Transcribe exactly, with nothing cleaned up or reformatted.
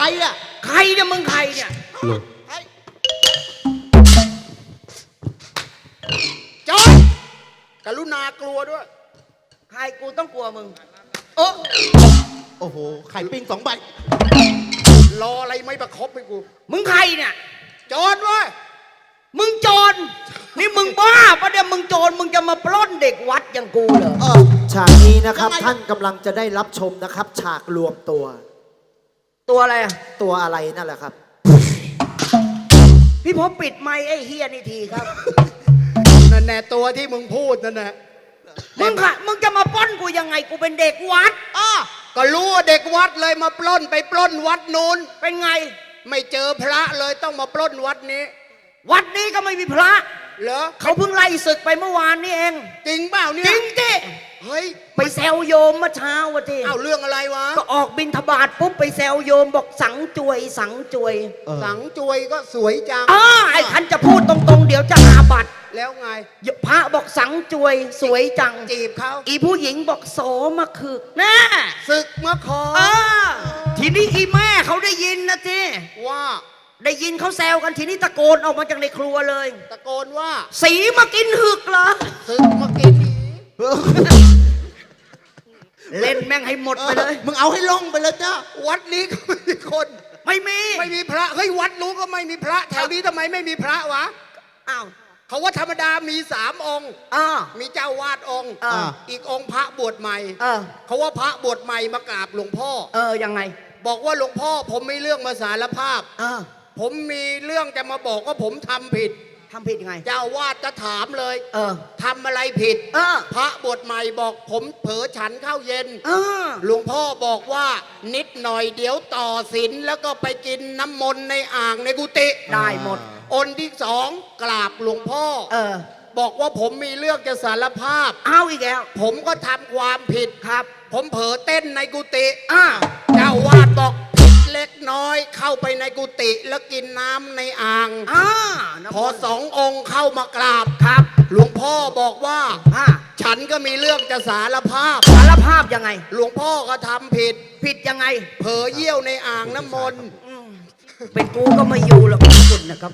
รอ่ะใครเนี่ยมึงใครเนี่ยจอยกรุณากลัวด้วยใครกูต้องกลัวมึงโอ้โอ้โหไข่ปิ้งสองใบรออะไรไม่ประคบให้กูมึงใครเนี่ยโจรเว้ยมึงโจรนี่มึงบ้าปะเนี่ยมึงโจรมึงจะมาปล้นเด็กวัดอย่างกูเหรอเออฉากนี้นะครับท่านกำลังจะได้รับชมนะครับฉากรวมตัวตัวอะไรอะตัวอะไรนั่นแหละครับพี่พบปิดไมค์ไอ้เฮียนี่ทีครับนั่นแน่ตัวที่มึงพูดนั่นแหละมึงค่ะมึงจะมาปล้นกูยังไงกูเป็นเด็กวัดอ้อก็รู้ว่าเด็กวัดเลยมาปล้นไปปล้นวัดนู้นเป็นไงไม่เจอพระเลยต้องมาปล้นวัดนี้วัดนี้ก็ไม่มีพระเหรอเขาเพิ่งไล่ศึกไปเมื่อวานนี่เองจริงเปล่าเนี่ยจริงดิเฮ้ยไปแซวโยมเมื่อเช้าวะทีอ้าวเรื่องอะไรวะก็ออกบิณฑบาตปุ๊บไปแซวโยมบอกสังจวยสังจวยสังจวยก็สวยจังอ้าไอ้คันจะพูดตรงๆเดี๋ยวจะอาบัติแล้วไงพระบอกสังจวยสวยจังจีบเขาอีผู้หญิงบอกโสมาคือแน่ศึกมาขอทีนี้อีแม่เขาได้ยินนะทีว่าได้ยินเขาแซวกันทีนี้ตะโกนออกมาจากในครัวเลยตะโกนว่าสีมากินหึกเหรอศึกมากินเล่นแม่งให้หมดไปเลยมึงเอาให้ล่องไปเลยจ้าวัดนี้ก็ไม่มีคนไม่มีไม่มีพระเฮ้ยวัดนู้นก็ไม่มีพระแถวนี้ทำไมไม่มีพระวะอ้าวเขาว่าธรรมดามีสามองค์มีเจ้าวาดองค์อีกองค์พระบวชใหม่เขาว่าพระบวชใหม่มากราบหลวงพ่อเออยังไงบอกว่าหลวงพ่อผมมีเรื่องมาสารภาพผมมีเรื่องจะมาบอกว่าผมทำผิดทำผิดยังไงเจ้าวาดจะถามเลยเออทำอะไรผิดเออพระบวชใหม่บอกผมเผลอฉันข้าวเย็นเออหลวงพ่อบอกว่านิดหน่อยเดี๋ยวต่อศีลแล้วก็ไปกินน้ำมนต์ในอ่างในกุฏิได้หมดองค์ที่สองกราบหลวงพ่อเออบอกว่าผมมีเรื่องจะสารภาพเอาอีกแล้วผมก็ทำความผิดครับผมเผลอเต้นในกุฏิอ้าเจ้าวาดบอกผิดเล็กน้อยเข้าไปในกุฏิแล้วกินน้ำในอ่างอ้าพอสององค์เข้ามากราบครับหลวงพ่อบอกว่าฉันก็มีเรื่องจะสารภาพสารภาพยังไงหลวงพ่อก็ทำผิดผิดยังไงเผลอเยี่ยวในอ่างน้ำมนต์เป็นกูก็ไม่อยู่หรอกคุณนะครับ